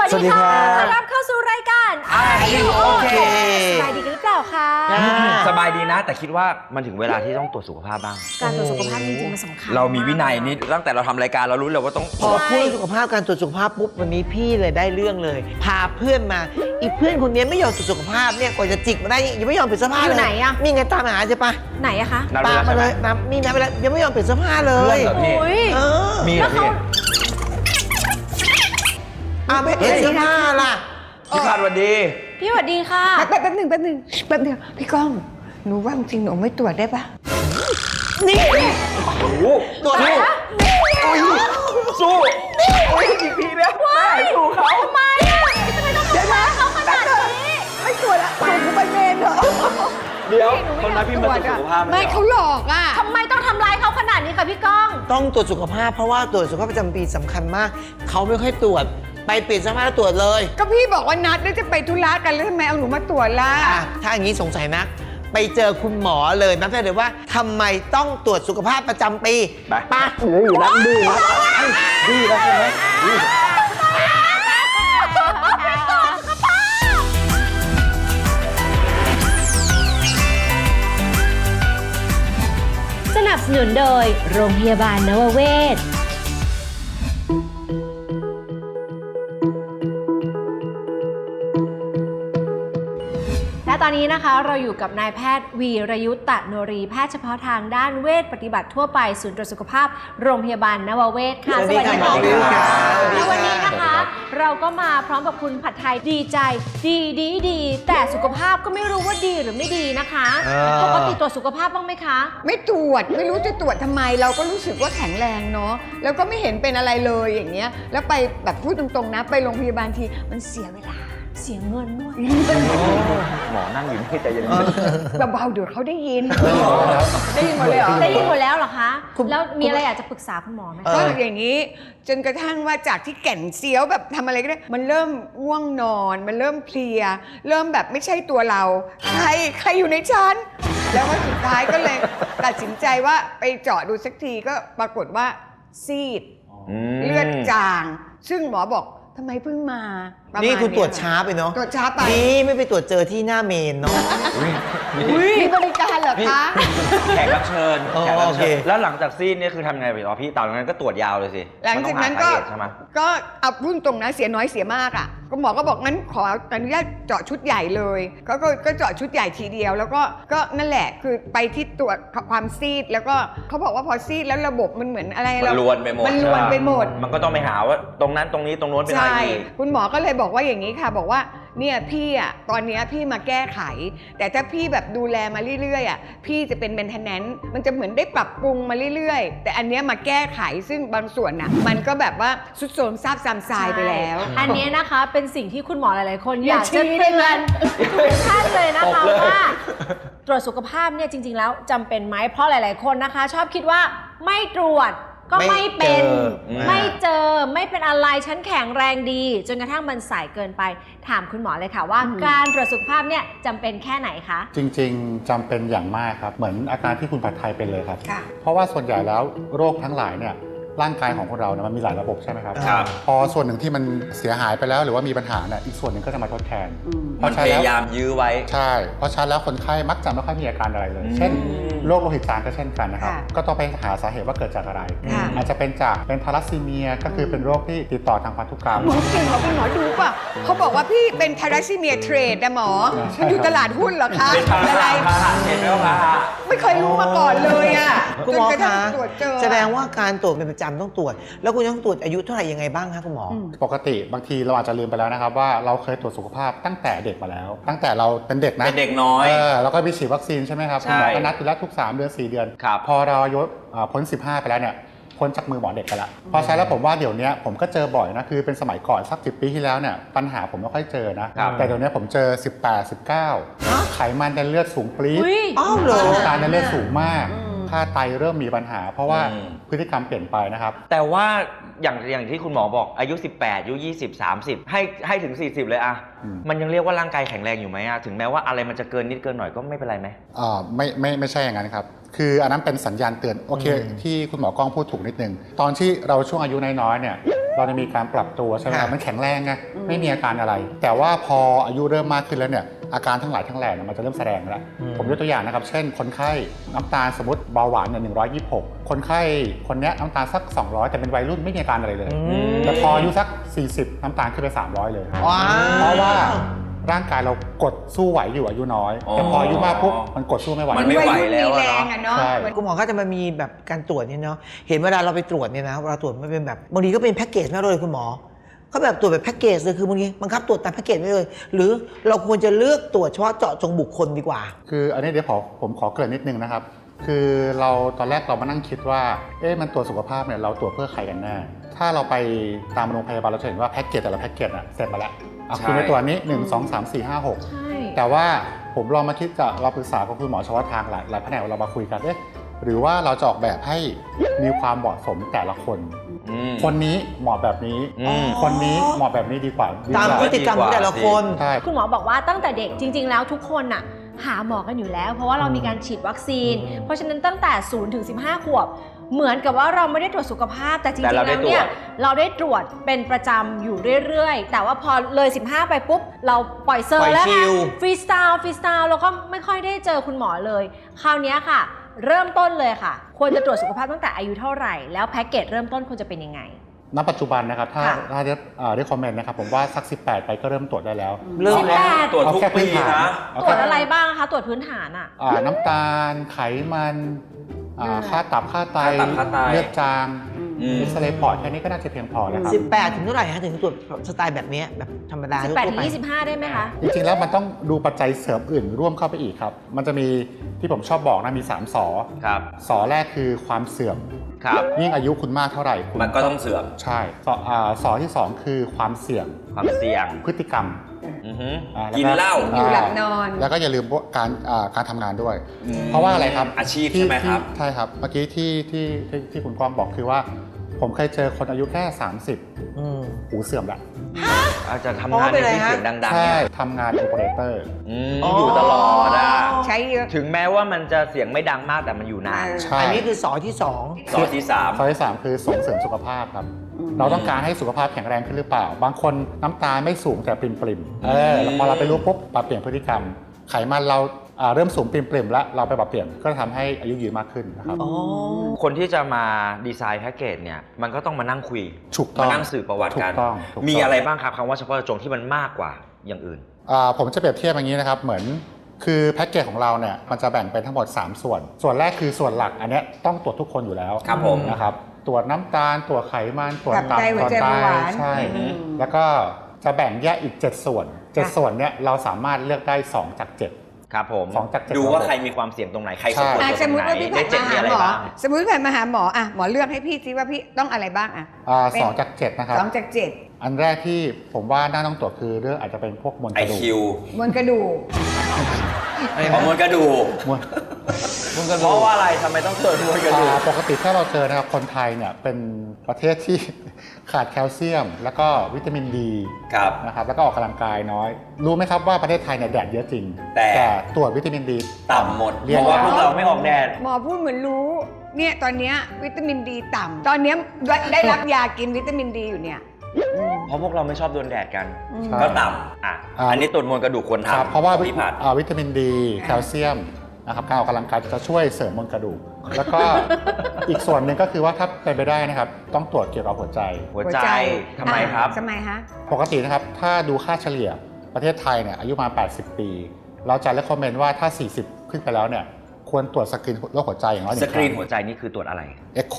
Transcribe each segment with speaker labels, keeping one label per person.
Speaker 1: สวัสดีค่ะ
Speaker 2: ต้อนรับเข้าสู่รายการ
Speaker 1: Are You Okay
Speaker 2: สบายดีกันหรือเปล่าคะ
Speaker 1: สบายดีนะแต่คิดว่ามันถึงเวลาที่ต้องตรวจสุขภาพบ้าง
Speaker 2: การตรวจสุขภาพจริงๆมันสำคัญ
Speaker 1: เรามีวินัยนี่ตั้งแต่เราทำรายการเรารู้เลยว่าต้อง
Speaker 3: พอพูดสุขภาพการตรวจสุขภาพปุ๊บวันนี้พี่เลยได้เรื่องเลย พาเพื่อนมาอีเพื่อนคนนี้ไม่ยอมตรวจสุขภาพเนี่ยกว่าจะจิกมาได้ยังไม่ยอมเปลี่ยนเสื้อผ้าเลย
Speaker 2: อยู่ไหนอะ
Speaker 3: นี่ไงตามหาใช่ปะ
Speaker 2: ไหนอะคะ
Speaker 1: นัด
Speaker 3: ตาม
Speaker 1: เว
Speaker 3: มา
Speaker 1: ลา
Speaker 3: เล
Speaker 1: ใช่ไหม
Speaker 3: ยนะนี่นะเวลายังไม่ยอมเปลี่ยนเสื้อผ้าเล
Speaker 1: เพื่อย นเหรอพี่
Speaker 2: โอ้ย
Speaker 3: เออ
Speaker 1: มีเหรอพี่
Speaker 3: ไม่เปลี่ยนเสื้อผ้าล่ะ
Speaker 1: พี่คาดวันดี
Speaker 2: พี่สวัสดีค่ะ
Speaker 4: แป๊บนึงพี่ก้องหนูว่าจริงหนูไม่ตรวจได้ปะ
Speaker 3: นี่
Speaker 1: โอ้โห
Speaker 3: ตรวจ
Speaker 1: สู้สู้โอ้ยอีกทีนะแม่สู้เขา
Speaker 2: ทำไมอะทำไมต้องทำร้ายเขาขนาดนี้
Speaker 4: ไม่ตรวจละส่งหนูไปเมนเหรอ
Speaker 1: เดี๋ยวคนนั้นพี่มาตรวจสุขภาพ
Speaker 4: ไม่เขาหลอกอ่ะ
Speaker 2: ทำไมต้องทำร้ายเขาขนาดนี้คะพี่ก้อง
Speaker 3: ต้องตรวจสุขภาพเพราะว่าตรวจสุขภาพประจำปีสำคัญมาก เขาไม่ค่อยตรวจไปเปลี่ยนเสื้อผ้าแล้วตรวจเลย
Speaker 4: ก็พี่บอกว่านัดแล้วจะไปธุระกันแล้วทำไมเอาหนูมาตรวจล่ะ
Speaker 3: ถ้าอย่างนี้สงสัยนักไปเจอคุณหมอเลยนับได้เลยว่าทำไมต้องตรวจสุขภาพประจำปีไปอยู่แล้วดื้อแล้วดื้อแล้วใช่ไหม
Speaker 2: สนับสนุนโดยโรงพยาบาลนวเวศและตอนนี้นะคะเราอยู่กับนายแพทย์วีรยุทธ์ตะโนรีแพทย์เฉพาะทางด้านเวชปฏิบัติทั่วไปศูนย์ตรวจสุขภาพโรงพยาบาลนวเวศค่ะ
Speaker 3: สวัสดีค่ะ
Speaker 2: และวันนี้นะคะ เราก็มาพร้อมกับคุณผัดไทยดีใจดีแต่สุขภาพก็ไม่รู้ว่าดีหรือไม่ดีนะคะปกติตรวจสุขภาพบ้างไหมคะ
Speaker 4: ไม่ตรวจไม่รู้จะตรวจทำไม เราก็รู้สึกว่าแข็งแรงเนาะแล้วก็ไม่เห็นเป็นอะไรเลยอย่างเงี้ยแล้วไปแบบพูดตรงๆนะไปโรงพยาบาลทีมันเสียเวลา
Speaker 2: เสียเงินด้วย
Speaker 1: หมอนั่งอยู่ไม่ใจเย็น
Speaker 4: เบาๆเดี๋ยวเขาได้ยินได้ยินหมดเลยเหรอ
Speaker 2: ได้ยินหมดแล้วเหรอคะ แล้วมีอะไรอยากจะปรึกษาคุณหมอไหม
Speaker 4: ก็อย่างนี้จนกระทั่งว่าจากที่แก่นเซียวแบบทำอะไรก็ได้มันเริ่มง่วงนอน มันเริ่มเพลีย เริ่มแบบไม่ใช่ตัวเรา ใครอยู่ในชั้นแล้วก็สุดท้ายก็เลยตัดสินใจว่าไปเจาะดูสักทีก็ปรากฏว่าซีดเลือดจาง ซึ่งหมอบอกทำไมเพิ่งมาประมาณ
Speaker 3: นี่คุณตรวจ
Speaker 4: เย
Speaker 3: ช้าไปเนาะ
Speaker 4: ตรวจช้าไป
Speaker 3: นี่ไม่ไปตรวจเจอที่หน้าเมนเนาะ
Speaker 4: มีบริการเหรอคะ
Speaker 1: แขกรับเชิญ
Speaker 3: อ๋อ
Speaker 1: แขกรับ
Speaker 3: โอเค
Speaker 1: เชิญแล้วหลังจากซีดเนี่ยคือทำไงไปอ๋อพี่ตอนนั้นก็ตรวจยาวเลยสิ
Speaker 4: หลังจากนั้นก็
Speaker 1: มัต้องหาสาเหตุใช่ไหม
Speaker 4: ก็เอาพูดตรงนะเสียน้อยเสียมากอ่ะก็หมอก็บอกงั้นขออนุญาตเจาะชุดใหญ่เลยก็เจาะชุดใหญ่ทีเดียว แล้วก็นั่นแหละคือไปที่ตรวจความซีดแล้วก็เขาบอกว่าพอซีดแล้วระบบมันเหมือนอะไร
Speaker 1: มันลวนไปหมด
Speaker 4: มันลวนไปหมด
Speaker 1: มันก็ต้องไปหาว่าตรงนั้นตรงนี้ตรงโน้นเป็นอะไร
Speaker 4: ใช่
Speaker 1: อีก
Speaker 4: คุณหมอก็เลยบอกว่าอย่างนี้ค่ะ บอกว่าเนี่ยพี่อ่ะตอนเนี้ยพี่มาแก้ไข แต่ถ้าพี่แบบดูแลมาเรื่อยๆอ่ะพี่จะเป็นเมนเทนแนนซ์มันจะเหมือนได้ปรับปรุงมาเรื่อยๆ แต่อันเนี้ยมาแก้ไขซึ่งบางส่วนน่ะมันก็แบบว่าสุดโทรมซาบซ้ำทรายไปแล้ว
Speaker 2: อันนี้นะคะเป็นสิ่งที่คุณหมอหลายๆ คนอยาก
Speaker 4: ชี้
Speaker 2: จะ
Speaker 4: ได้
Speaker 2: เตื
Speaker 4: ไหม
Speaker 2: อนทุกท่านเลยนะ
Speaker 1: ต
Speaker 2: คะ
Speaker 1: บเลย
Speaker 2: ว่าตรวจสุขภาพเนี่ยจริง ๆ แล้วจำเป็นไหมเพราะหลาย ๆ คนนะคะ ชอบคิดว่าไม่ตรวจก็ไม่เป็น ไม่เจอไม่เป็นอะไรฉันแข็งแรงดีจนกระทั่งมันสายเกินไปถามคุณหมอเลยค่ะว่าการตรวจสุขภาพเนี่ยจำเป็นแค่ไหนคะ
Speaker 5: จริงๆจำเป็นอย่างมากครับเหมือนอาการที่คุณผัดไทยเป็นเลยครับ
Speaker 4: ค่ะ
Speaker 5: เพราะว่าส่วนใหญ่แล้วโรคทั้งหลายเนี่ยร่างกายของคนเราเนี่ยมันมีหลายระบบใช่ไหมครับ
Speaker 1: ครับ
Speaker 5: พอส่วนหนึ่งที่มันเสียหายไปแล้วหรือว่ามีปัญหาเนี่ยอีกส่วนหนึ่งก็จะมาทดแทน เพ
Speaker 1: มัน
Speaker 5: ราะฉะ
Speaker 1: พ
Speaker 5: นั้น
Speaker 1: ยา
Speaker 5: แล้ว
Speaker 1: ยามยื้อไว้
Speaker 5: ใช่เพราะฉะนั้นแล้วคนไข้มักจะไม่ค่อยมีอาการอะไรเลย เช่นโรคโลหิตจางก็เช่นกันนะครับ
Speaker 4: ค่ะ
Speaker 5: ก็ต้องไปหาสาเหตุว่าเกิดจากอะไร
Speaker 4: ค่ะ
Speaker 5: อาจจะเป็นจากเป็นทาลัสซีเมียก็คือเป็นโรคที่ติดต่อทางพันธุกรรม
Speaker 4: หมอเก่งเหรอเป็นหมอดูป่ะเขาบอกว่าพี่เป็นทาราซิเมียเทรดนะหมอ
Speaker 5: ใช่
Speaker 4: มันอยู่ตลาดหุ้นเหรอคะ
Speaker 1: เป็นพา
Speaker 4: อะไร
Speaker 1: หะพาหะเห็นไหมว่าพาหะ
Speaker 4: ไม่เคยรู้มาก่อนเลยอ่ะ
Speaker 3: คุณ
Speaker 4: จ
Speaker 3: ห
Speaker 4: น
Speaker 3: มอก
Speaker 4: ระทั่
Speaker 3: คะ
Speaker 4: งตรวจเจอ
Speaker 3: แสดงว่าการตรวจเป็นประจำต้องตรวจ แล้วคุณต้องตรวจอายุเท่าไหร่ยังไงบ้างคะคุณหมอ
Speaker 5: ปกติบางทีเราอาจจะลืมไปแล้วนะครับว่าเราเคยตรวจสุขภาพตั้งแต่เด็กมาแล้ว ตั้งแต่เราเป็นเด็กนะ
Speaker 1: เป็นเด็กน้อย
Speaker 5: แล้วก็มีฉีดวัคซีนใช่ไหมครับ
Speaker 1: ใช่
Speaker 5: หมอก็นัดอยู่แล้วทุก3เดือน4 เดือน
Speaker 1: ครับ
Speaker 5: พอเราอายุพ้น15ไปแล้วเนี่ยพ้นจากมือหมอเด็กไปละพอใช้แล้วผมว่าเดี๋ยวนี้ผมก็เจอบ่อยนะคือเป็นสมัยก่อนสัก10 ปีที่แล้วเนี่ยปัญหาผมไม่ค่อยเจอนะครับ แต่เดี๋ยวนี้ผมเจอ18 19ไขมันในเลือดสูงปรี๊ด
Speaker 2: อุ๊ย
Speaker 3: อ้าวเหรอ
Speaker 5: น้ำตาลในเลือดสูงมากค่าไตเริ่มมีปัญหา เพราะว่าพฤติกรรมเปลี่ยนไปนะครับ
Speaker 1: แต่ว่าอย่างที่คุณหมอบอกอายุ 18อายุ20 30ให้ถึง 40 เลยอะ มันยังเรียกว่าร่างกายแข็งแรงอยู่ไหมอะถึงแม้ว่าอะไรมันจะเกินนิดเกินหน่อยก็ไม่เป็นไรไหม
Speaker 5: ไม่ใช่อย่างนั้นครับ คืออันนั้นเป็นสัญญาณเตือนโอเคที่คุณหมอกล้องพูดถูกนิดนึงตอนที่เราช่วงอายุน้อยๆเนี่ยเราจะมีการปรับตัวใช่ไหมครับมันแข็งแรงไงไม่มีอาการอะไร แต่ว่าพออายุเริ่มมากขึ้นแล้วเนี่ยอาการทั้งหลายทั้งแหล่เนี่ยมันจะเริ่มแสดงแล้วผมยกตัวอย่างนะครับเช่นคนไข้น้ำตาลสมมติเบาหวานเนี่ย126คนไข้คนเนี้ยน้ำตาลสัก200แต่เป็นวัยรุ่นไม่มีอาการอะไรเลยแต่พออายุสัก40น้ำตาลขึ้นไป300เลยเพราะว่าร่างกายเรากดสู้ไหวอยู่อายุน้อยแต่พออายุมากปุ๊บมันกดสู้ไม่ไหว
Speaker 1: มันไม่ไหวแล้ว
Speaker 4: มี
Speaker 1: อะ
Speaker 4: แรง
Speaker 1: เนาะ
Speaker 4: อะเนาะ
Speaker 5: ใช่
Speaker 3: คุณหมอก็จะมามีแบบการตรวจเนี่ยเนาะเห็นเวลาเราไปตรวจเนี่ยนะเวลาตรวจมันเป็นแบบบางทีก็เป็นแพ็กเกจไม่เลยคุณหมอเขาแบบตรวจแบบแพ็กเกจเลยคือบางทีบังคับตรวจตามแพ็กเกจไม่เลยหรือเราควรจะเลือกตรวจเฉพาะเจาะจงบุคคลดีกว่า
Speaker 5: คืออันนี้เดี๋ยวผมขอเกริ่นนิดนึงนะครับคือเราตอนแรกเรามานั่งคิดว่ามันตรวจสุขภาพเนี่ยเราตรวจเพื่อใครกันแน่ถ้าเราไปตามโรงพยาบาลเราจะเห็นว่าแพ็กเกจแต่ละแพ็กเกจเสร็จมาแล้วคุณในตัวนี้1 2 3 4 5 6
Speaker 2: ใช่
Speaker 5: แต่ว่าผมลองมาคิดกับเราปรึกษากับคุณหมอเฉพาะทางหลายแผนกเรามาคุยกันหรือว่าเราจะออกแบบให้มีความเหมาะสมแต่ละคนคนนี้เหมาะแบบนี้คนนี้เหมาะแบบนี้ดีกว่า
Speaker 3: ตามพฤติกรรมของแต่ละคน
Speaker 5: ใช่
Speaker 2: คุณหมอบอกว่าตั้งแต่เด็กจริง ๆ แล้วทุกคนน่ะหาหมอกันอยู่แล้ว เพราะว่าเรามีการฉีดวัคซีน เพราะฉะนั้นตั้งแต่0 ถึง 15 ขวบเหมือนกับว่าเราไม่ได้ตรวจสุขภาพแต่จริงๆแล้วเนี่ยเราได้ตรวจเป็นประจำอยู่เรื่อยๆแต่ว่าพอเลย15ไปปุ๊บเราปล่อยเซอร์แล้วค่ะฟรีสไตล์แล้วก็ไม่ค่อยได้เจอคุณหมอเลยคราวนี้ค่ะเริ่มต้นเลยค่ะควรจะตรวจสุขภาพตั้งแต่อายุเท่าไหร่แล้วแพ็กเกจเริ่มต้นควรจะเป็นยังไง
Speaker 5: ณปัจจุบันนะครับถ้าได้คอมเมนต์นะครับผมว่าสัก18ไปก็เริ่มตรวจได้แล้ว
Speaker 3: เริ่มแล้ว
Speaker 1: ตรวจทุกปีนะ
Speaker 2: ตรวจอะไรบ้างคะตรวจพื้นฐาน
Speaker 5: น้ำตาลไขมันค่าตับค่าไตเลือดจางเอ็กซเรย์ปอดแค่นี้ก็น่าจะเพียงพอแล้วครับ
Speaker 3: 18ถึงเท่าไหร่คะถึงตรวจสไตล์แบบนี้แบบธรรมดา
Speaker 2: 18 ถึง 25ได้ไหมคะ
Speaker 5: จริงๆแล้วมันต้องดูปัจจัยเสริมอื่นร่วมเข้าไปอีกครับมันจะมีที่ผมชอบบอกนะมี3 สอ
Speaker 1: ครับ
Speaker 5: สอแรกคือความเสื่อม
Speaker 1: ครับ
Speaker 5: ยิ่งอายุคุณมากเท่าไหร่
Speaker 1: มันก็ต้องเสื่อม
Speaker 5: ใช่สอที่2คือความเสี่ยงพฤติกรรม
Speaker 1: กินเหล้า
Speaker 4: อยู่หลับนอน
Speaker 5: แล้วก็อย่าลืมการทำงานด้วยเพราะว่าอะไรครับ
Speaker 1: อาชีพใช่ไหมครับ
Speaker 5: ใช่ครับเมื่อกี้ที่คุณกวางบอกคือว่าผมเคยเจอคนอายุแค่30หูเสื่อมละ
Speaker 1: อาจจะทำงานในที่เสียงดังๆ
Speaker 5: ใช่ทำงานโอเปอเรเตอร์
Speaker 1: อยู่ตลอด
Speaker 4: ใช้เยอะ
Speaker 1: ถึงแม้ว่ามันจะเสียงไม่ดังมากแต่มันอยู่นาน
Speaker 3: อันนี้คือสอที่2
Speaker 1: สอที่3
Speaker 5: สอที่3คือส่งเสริมสุขภาพครับเราต้องการให้สุขภาพแข็งแรงขึ้นหรือเปล่าบางคนน้ำตาไม่สูงแต่ปริ่มแล้วพอเราไปรู้ปุ๊บปรับเปลี่ยนพฤติกรรมไขมันเราเริ่มสูงปริ่มแล้วเราไปปรับเปลี่ยนก็ทำให้อายุยืนมากขึ้นนะครับ
Speaker 1: คนที่จะมาดีไซน์แพ็กเกจเนี่ยมันก็ต้องมานั่งคุยมานั่งสื่อประวัติกันมีอะไรบ้างครับคำว่าเฉพาะเจาะจงที่มันมากกว่าอย่างอื่น
Speaker 5: ผมจะเปรียบเทียบอย่างนี้นะครับเหมือนคือแพ็กเกจของเราเนี่ยมันจะแบ่งเป็นทั้งหมด3 ส่วนแรกคือส่วนหลักอันนี้ต้องตรวจทุกคนอยู่แล้ว
Speaker 1: ครับผม
Speaker 5: นะครับตรวจน้ำตาลตรวจไขมันตรวจตับตรวจไตใช่แล้วก็จะแบ่งแยกอีก7 ส่วนเนี่ยเราสามารถเลือกได้2 จาก 7
Speaker 1: ครับผมดูว่าใครมีความเสี่ยงตรงไหนใครสมควร
Speaker 4: สมมติว่าพี่แพทย์มาหาหมอสมมติแพทย์มาหาหมอหมอเลือกให้พี่ซิว่าพี่ต้องอะไรบ้าง
Speaker 5: 2 จาก 7นะครับ
Speaker 4: 2 จาก 7
Speaker 5: อันแรกที่ผมว่าน่าต้องตรวจคือเรื่องอาจจะเป็นพวกมวลกระดูก
Speaker 4: มวลกระดูก
Speaker 1: มวลกระดูกเพราะว่าอะไรทำไมต้องตรวจมวลกระดูก
Speaker 5: ปกติถ้าเราเจอนะครับคนไทยเนี่ยเป็นประเทศที่ขาดแคลเซียมแล้วก็วิตามินดีนะครับแล้วก็ออกกำลังกายน้อยรู้ไหมครับว่าประเทศไทยเนี่ยแดดเยอะจริงแต่ตรวจวิตามินดี
Speaker 1: ต่ำหมดเพราะว่าพวกเราไม่ออกแดด
Speaker 4: หมอพูดเหมือนรู้เนี่ยตอนนี้วิตามินดีต่ำตอนนี้ได้รับยากินวิตามินดีอยู่เนี่ย
Speaker 1: เพราะพวกเราไม่ชอบโดนแดดกันก็ต่ำอันนี้ตรวจมวลกระดูกควรทำ
Speaker 5: เพราะว่าวิตามินดีแคลเซียมนะครับการออกกำลังกายจะช่วยเสริมมวลกระดูกแล้วก็อีกส่วนหนึ่งก็คือว่าถ้าเป็นไปได้นะครับต้องตรวจเกี่ยวกับหัวใจ
Speaker 1: ทำไมครับ
Speaker 5: ปกตินะครับถ้าดูค่าเฉลี่ยประเทศไทยเนี่ยอายุมา80 ปีเราจะเรคคอมเมนต์ว่าถ้า40ขึ้นไปแล้วเนี่ยควรตรวจสกรีนโรคหัวใจอย่างน้อย1 ครั้ง
Speaker 1: สกรีนหัวใจนี่คือตรวจอะไร
Speaker 5: เอ็กโค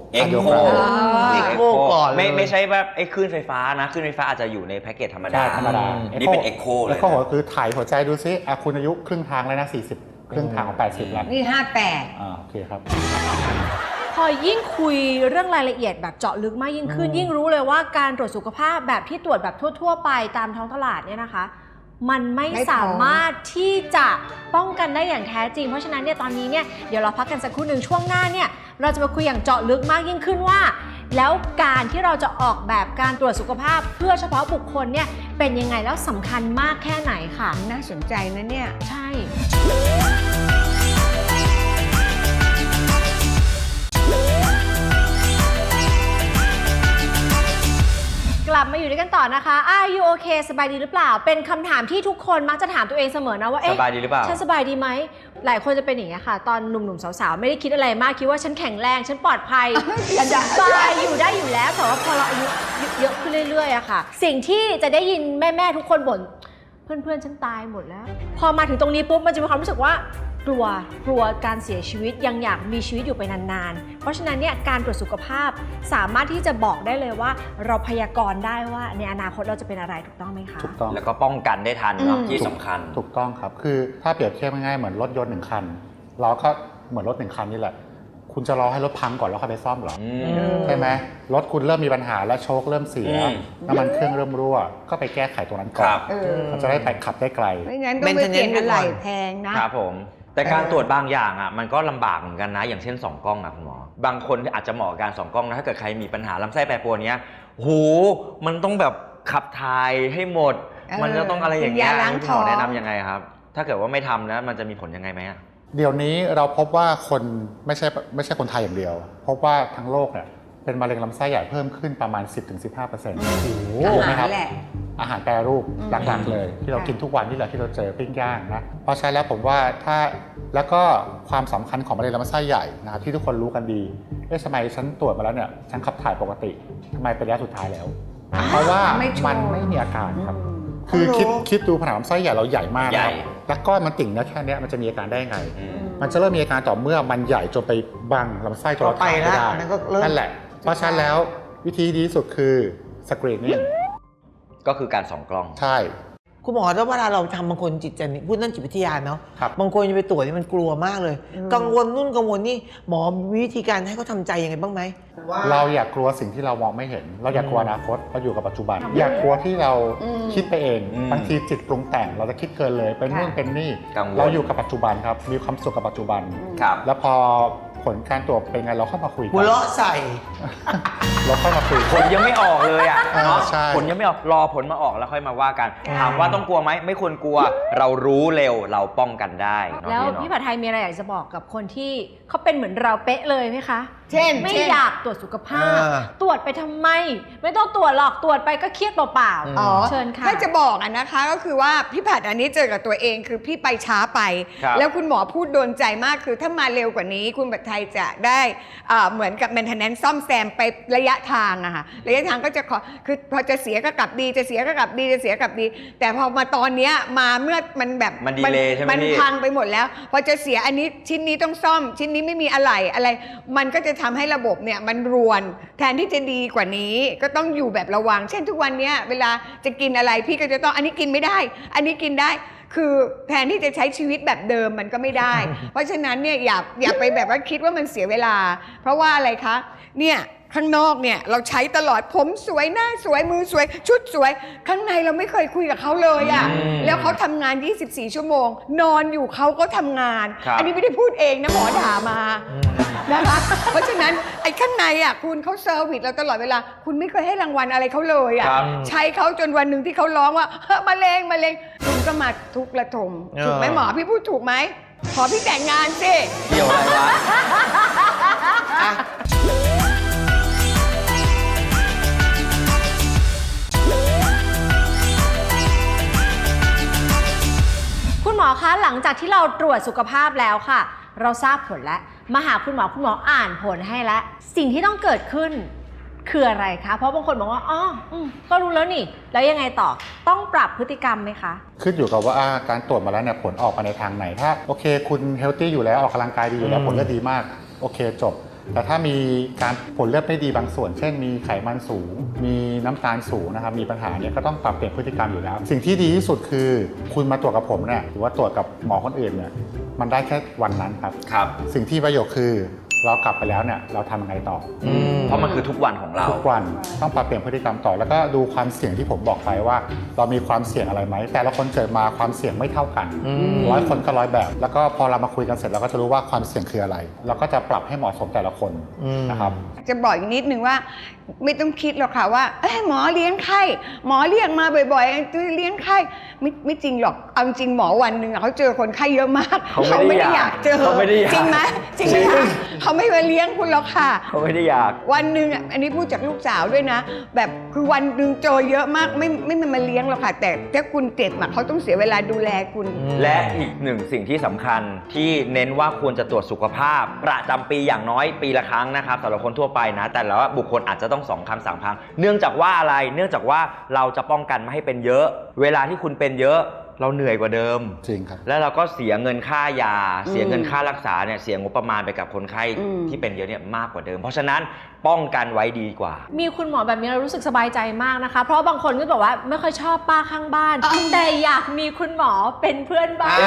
Speaker 3: ก่อน
Speaker 1: ไม่ใช่แบบไอ้คลื่นไฟฟ้านะคลื่นไฟฟ้าอาจจะอยู่ในแพ็กเกจธรรมดานี่เป็นเอ็กโคเลย
Speaker 5: เอ็กโคคือถ่ายหัวใจดูซิคุณอายุครึ่งทางแล้วนะ40ครึ่งทางของ80แล้ว
Speaker 4: นี่58
Speaker 5: โอเคครับ
Speaker 2: พอยิ่งคุยเรื่องรายละเอียดแบบเจาะลึกมากยิ่งขึ้นยิ่งรู้เลยว่าการตรวจสุขภาพแบบที่ตรวจแบบทั่วๆไปตามท้องตลาดเนี่ยนะคะมันไม่สามารถที่จะป้องกันได้อย่างแท้จริงเพราะฉะนั้นเนี่ยตอนนี้เนี่ยเดี๋ยวเราพักกันสักครู่หนึ่งช่วงหน้าเนี่ยเราจะมาคุยอย่างเจาะลึกมากยิ่งขึ้นว่าแล้วการที่เราจะออกแบบการตรวจสุขภาพเพื่อเฉพาะบุคคลเนี่ยเป็นยังไงแล้วสำคัญมากแค่ไหนค่ะ
Speaker 4: น่าสนใจนะเนี่ย
Speaker 2: ใช่ลับมาอยู่ด้วยกันต่อนะคะ Are you okay สบายดีหรือเปล่า เป็นคำถามที่ทุกคนมักจะถามตัวเองเสมอนะว่า
Speaker 1: สบายดีหรือเปล่า
Speaker 2: ฉันสบายดีไหม หลายคนจะเป็นอย่างนี้ยค่ะ ตอนหนุ่มๆสาวๆไม่ได้คิดอะไรมาก คิดว่าฉันแข็งแรง ฉันปลอดภัย ฉันสบายอยู่ได้อยู่แล้ว แต่ว่าพอเราอายุเยอะขึ้นเรื่อยๆอะค่ะ สิ่งที่จะได้ยินแม่ๆทุกคนบ่น เพื่อนๆฉันตายหมดแล้ว พอมาถึงตรงนี้ปุ๊บมันจะมีความรู้สึกว่ากลัวการเสียชีวิตยังอยากมีชีวิตอยู่ไปนานๆ เพราะฉะนั้นเนี่ยการตรวจสุขภาพสามารถที่จะบอกได้เลยว่าเราพยากรณ์ได้ว่าในอนาคตเราจะเป็นอะไรถูกต้องไหมคะ
Speaker 5: ถูกต้อง
Speaker 1: แล้วก็ป้องกันได้ทันเนาะที่สำคัญ
Speaker 5: ถูกต้องครับ คือถ้าเปรียบเทียบง่ายๆเหมือนรถยนต์1 คัน เราก็เหมือนรถ1 คันนี่แหละ คุณจะรอให้รถพังก่อนแล้วค่อยไปซ่อมเหรอ ใช่ไหมรถคุณเริ่มมีปัญหาแล้วโชคเริ่มเสีย น้ำมันเครื่องเริ่มรั่ว ก็ไปแก้ไขตรงนั้นก่อน มันจะได้ไปขับได้ไกล
Speaker 4: ไม่งั้นต้องไปเปลี่ยนอะไรแพงนะครับ
Speaker 1: ผม แต่การตรวจบางอย่างอ่ะมันก็ลำบากเหมือนกันนะ อย่างเช่น2 กล้องนะคุณหมอบางคนอาจจะเหมาะกับการ2 กล้องนะถ้าเกิดใครมีปัญหาลำไส้แปรปรวนเนี้ยโหมันต้องแบบขับถ่ายให้หมด มันจะต้องอะไรอย่างเงี้ย
Speaker 4: กินยาล้าง
Speaker 1: คุณ
Speaker 4: ท้
Speaker 1: หม
Speaker 4: อง
Speaker 1: อแนะนำยังไงครับ ถ้าเกิดว่าไม่ทำนะมันจะมีผลยังไงไหมอะ
Speaker 5: เดี๋ยวนี้เราพบว่าคนไม่ใช่คนไทยอย่างเดียว พบว่าทั้งโลกเนี่ยเป็นมะเร็งลำไส้ใหญ่เพิ่มขึ้นประมาณ 10-15% ถูกไหมครับ
Speaker 4: แหละ
Speaker 5: อาหารแปรรูปหลักๆเลย ที่เรากินทุกวันนี่แหละที่เราเจอปิ้งย่างนะเพราะฉะนั้นแล้วผมว่าแล้วก็ความสำคัญของมะเร็งลำไส้ใหญ่นะครับที่ทุกคนรู้กันดีทำไมฉันตรวจมาแล้วเนี่ยฉันขับถ่ายปกติทำไมเป็นระยะสุดท้ายแล้ว เพราะว่ามันไม่มีอาการครับ คือคิดดูผนังลำไส้ใหญ่เราใหญ่มากนะครับแล้วก้อนมันติ่งนะแค่นี้มันจะมีอาการได้ยังไง มันจะเริ่มมีอาการต่อเมื่อมันใหญ่จนไปบังลำไส้จนเราถ่ายไม่ได้นั่นแหละเพราะฉะนั้นแล้ววิธีดีที่สุดคือสกรีนนิ่ง
Speaker 1: ก็คือการ2 กล้อง
Speaker 5: ใช่
Speaker 3: คุณหมอแล้วเวลาเราทำบางคนจิตใจพูดนั่นจิตวิทยาเนาะ
Speaker 5: ครับ
Speaker 3: บางคนจะไปตรวจนี่มันกลัวมากเลย กังวลนู่นกังวลนี่หมอมีวิธีการให้เขาทำใจยังไงบ้างไหม
Speaker 5: เราอยากกลัวสิ่งที่เรามองไม่เห็น เราอยากกลัวอนาคตเราอยู่กับปัจจุบัน อยากกลัวที่เราคิดไปเอง บางทีจิตปรุงแต่งเราจะคิดเกินเลยเป็นนู่นเป็นนี่
Speaker 1: กังวล
Speaker 5: เราอยู่กับปัจจุบันครับมีความสุขกับปัจจุบัน
Speaker 1: ครับ
Speaker 5: แล้วพอผลการตรวจเป็นไงเราเข้ามาคุยกั
Speaker 3: หัวเราะใส่
Speaker 5: เราเข้ามาคุย
Speaker 1: ผลยังไม่ออกเลยอ่ะเนาะ
Speaker 5: ใช่
Speaker 1: ผลยังไม่ออกรอผลมาออกแล้วค่อยมาว่ากัน ถามว่าต้องกลัวไหมไม่ควรกลัว เรารู้เร็วเราป้องกันได้เนาะ
Speaker 2: แล้ว
Speaker 1: เนาะ
Speaker 2: พี่ผัดไทยมีอะไรอยากจะบอกกับคนที่เขาเป็นเหมือนเราเป๊ะเลยไหมคะ
Speaker 4: เช่น
Speaker 2: ไม่
Speaker 4: เช่น
Speaker 2: อยากตรวจสุขภาพ
Speaker 3: อ่า
Speaker 2: ตรวจไปทำไม ไม่ต้องตรวจหรอกตรวจไปก็เครียดเปล่า
Speaker 4: อ๋อ
Speaker 2: เชิญค่ะ
Speaker 4: ถ้าจะบอกอะนะคะก็คือว่าพี่ผัดอันนี้เจอกับตัวเองคือพี่ไปช้าไป
Speaker 1: ครับ
Speaker 4: แล้วคุณหมอพูดโดนใจมากคือถ้ามาเร็วกว่านี้ คุณผัดไทยจะได้เหมือนกับ maintenance ซ่อมแซมไประยะทางอะค่ะระยะทางก็จะคือพอจะเสียก็กลับดีจะเสียก็กลับดีจะเสียกลับดี แต่พอมาตอนเนี้ยมาเมื่อมันแบบ
Speaker 1: มันดีเลย์ใช่ไหม
Speaker 4: มัน
Speaker 1: พี่
Speaker 4: พังไปหมดแล้ว พอจะเสียอันนี้ชิ้นนี้ต้องซ่อม ชิ้นนี้ไม่มีอะไร มันก็จะทำให้ระบบเนี่ยมันรวนแทนที่จะดีกว่านี้ก็ต้องอยู่แบบระวัง เช่นทุกวันเนี้ยเวลาจะกินอะไรพี่ก็จะต้องอันนี้กินไม่ได้ อันนี้กินได้ คือแทนที่จะใช้ชีวิตแบบเดิมมันก็ไม่ได้ เพราะฉะนั้นเนี่ยอย่าไปแบบว่าคิดว่ามันเสียเวลา เพราะว่าอะไรคะเนี่ยข้างนอกเนี่ยเราใช้ตลอดผมสวยหน้าสวยมือสวย ชุดสวย ข้างในเราไม่เคยคุยกับเขาเลยอะ่ะแล้วเขาทำงาน 24 ชั่วโมง นอนอยู่เขาก็ทำงาน
Speaker 1: ครับ
Speaker 4: อันนี้ไม่ได้พูดเองนะหมอด่ามานะคะเพราะฉะนั้นไอ้ข้างในอ่ะคุณเขาเซอร์วิสเราตลอดเวลา คุณไม่เคยให้รางวัลอะไรเขาเลยอ่ะ
Speaker 1: ครับ
Speaker 4: ใช้เขาจนวันหนึ่งที่เขาร้องว่าเฮ้ยมะเร็งคุณก็มาทุกระทมถูกไหมหมอพี่พูดถูกไหมขอพี่แต่งงานสิ
Speaker 1: เกี่ยวอะไรวะ
Speaker 2: คุณหมอคะหลังจากที่เราตรวจสุขภาพแล้วค่ะ เราทราบผลแล้วมาหาคุณหมออ่านผลให้แล้วสิ่งที่ต้องเกิดขึ้นคืออะไรคะเพราะบางคนบอกว่าอ๋อก็รู้แล้วนี่แล้วยังไงต่อต้องปรับพฤติกรรมไหมคะ
Speaker 5: ขึ้นอยู่กับว่าการตรวจมาแล้วเนี่ยผลออกมาในทางไหนถ้าโอเคคุณเฮลตี้อยู่แล้วออกกำลังกายดีอยู่แล้วผลเลือดดีมากโอเคจบ แต่ถ้ามีการผลเลือดไม่ดีบางส่วน เช่นมีไขมันสูง มีน้ำตาลสูงนะครับมีปัญหาเนี่ยก็ต้องปรับเปลี่ยนพฤติกรรมอยู่แล้ว สิ่งที่ดีที่สุดคือคุณมาตรวจกับผมเนี่ยหรือว่าตรวจกับหมอคนอื่นเนี่ยมันได้แค่วันนั้นครับ
Speaker 1: ครับ
Speaker 5: สิ่งที่ประโยชน์คือเรากลับไปแล้วเนี่ยเราทำยังไงต่อ
Speaker 1: เพราะมันคือทุกวันของเรา
Speaker 5: ทุกวันต้องปรับเปลี่ยนพฤติกรรมต่อแล้วก็ดูความเสี่ยงที่ผมบอกไปว่า เรามีความเสี่ยงอะไรไหมแต่ละคนเกิดมาความเสี่ยงไม่เท่ากัน100 คนก็100 แบบ แล้วก็พอเรามาคุยกันเสร็จเราก็จะรู้ว่าความเสี่ยงคืออะไรเราก็จะปรับให้เหมาะสมแต่ละคนนะครับ
Speaker 4: จะบอกอีกนิดนึงว่าไม่ต้องคิดหรอกค่ะว่าหมอเลี้ยงไข้หมอเรียกมาบ่อยๆเลี้ยงไข้ไม่จริงหรอกเอาจริงหมอวันหนึ่งเขาเจอคนไข้เยอะมาก
Speaker 1: เขาไม่ได้อยาก
Speaker 4: เจอ
Speaker 1: เขาไม่ได้อยาก
Speaker 4: จริงไหมจริงไหม
Speaker 1: จริง
Speaker 4: เขาไม่มาเลี้ยงคุณหรอกค่ะ
Speaker 1: เขาไม่ได้อยาก
Speaker 4: วันหนึ่งอันนี้พูดจากลูกสาวด้วยนะ แบบคือวันหนึ่งโจเยอะมากไม่มาเลี้ยงหรอกค่ะ แต่ถ้าคุณเจ็บเขาต้องเสียเวลาดูแลคุณ
Speaker 1: และอีกหนึ่งสิ่งที่สำคัญที่เน้นว่าควรจะตรวจสุขภาพประจำปีอย่างน้อยปีละครั้งนะครับสำหรับคนทั่วไปนะแต่ละบุคคลอาจจะต้อง2 ครั้ง 3 ครั้งเนื่องจากว่าอะไรเนื่องจากว่าเราจะป้องกันไม่ให้เป็นเยอะ เวลาที่คุณเป็นเยอะเราเหนื่อยกว่าเดิม
Speaker 5: จริงครับ
Speaker 1: แล้วเราก็เสียเงินค่ายา เสียเงินค่ารักษาเนี่ยเสียงบประมาณไปกับคนไข้
Speaker 4: อืม
Speaker 1: ที่เป็นเยอะเนี่ยมากกว่าเดิม เพราะฉะนั้นป้องกันไว้ดีกว่า
Speaker 2: มีคุณหมอแบบนี้เรารู้สึกสบายใจมากนะคะ เพราะบางคนก็บอกว่าไม่ค่อยชอบป้าข้างบ้าน แต่อยากมีคุณหมอเป็นเพื่อนบ้าน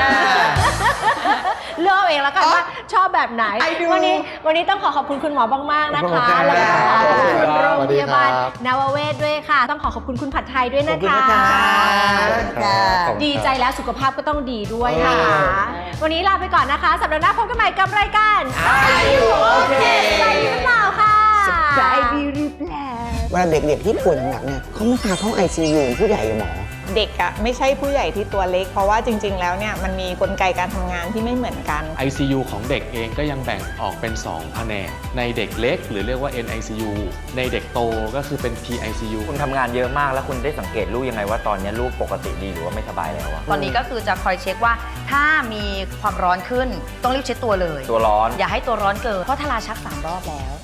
Speaker 2: เลือกเอาเองแล้วกันว่าชอบแบบไหน
Speaker 4: ไปดู
Speaker 2: วันนี้ต้องขอบคุณคุณหมอมากๆนะคะ
Speaker 3: ขอบคุณครับ
Speaker 2: แล้วก็ขอบคุณโรงพยาบาล
Speaker 5: สวัสดีครับ
Speaker 2: นวเวศด้วยค่ะ ต้องขอบคุณคุณผัดไทยด้วย
Speaker 3: ขอ
Speaker 2: นะ
Speaker 3: บคุณ
Speaker 2: คะ
Speaker 3: นะคะ
Speaker 2: ดีใจแล้วสุขภาพก็ต้องดีด้วยค่ะ
Speaker 3: เออ
Speaker 2: วันนี้ลาไปก่อนนะคะ สัปดาห์หน้าพบกันใหม่กับรายการอายุโอเคสบายดีหรือเปล่าค่ะ
Speaker 4: ใจดีหรือเปล่า
Speaker 3: เวลาเด็กๆที่ป่วยหนักๆเนี่ยเขาไม่พาเข้า ICU ผู้ใหญ่หมอ
Speaker 6: เด็กอะไม่ใช่ผู้ใหญ่ที่ตัวเล็ก เพราะว่าจริง ๆ แล้วเนี่ยมันมีกลไกการทำงานที่ไม่เหมือนกัน
Speaker 7: ICU ของเด็กเองก็ยังแบ่งออกเป็น 2 แผนก ในเด็กเล็กหรือเรียกว่า NICU ในเด็กโตก็คือเป็น PICU
Speaker 1: คุณทำงานเยอะมากแล้วคุณได้สังเกตลูกยังไงว่าตอนนี้ลูกปกติดีหรือว่าไม่สบายแล้วอะ
Speaker 8: ตอนนี้ก็คือจะคอยเช็คว่าถ้ามีความร้อนขึ้นต้องรีบเช็ดตัวเลย
Speaker 1: ตัวร้อน
Speaker 8: อย่าให้ตัวร้อนเกินเพราะทาราชัก3 รอบแล้ว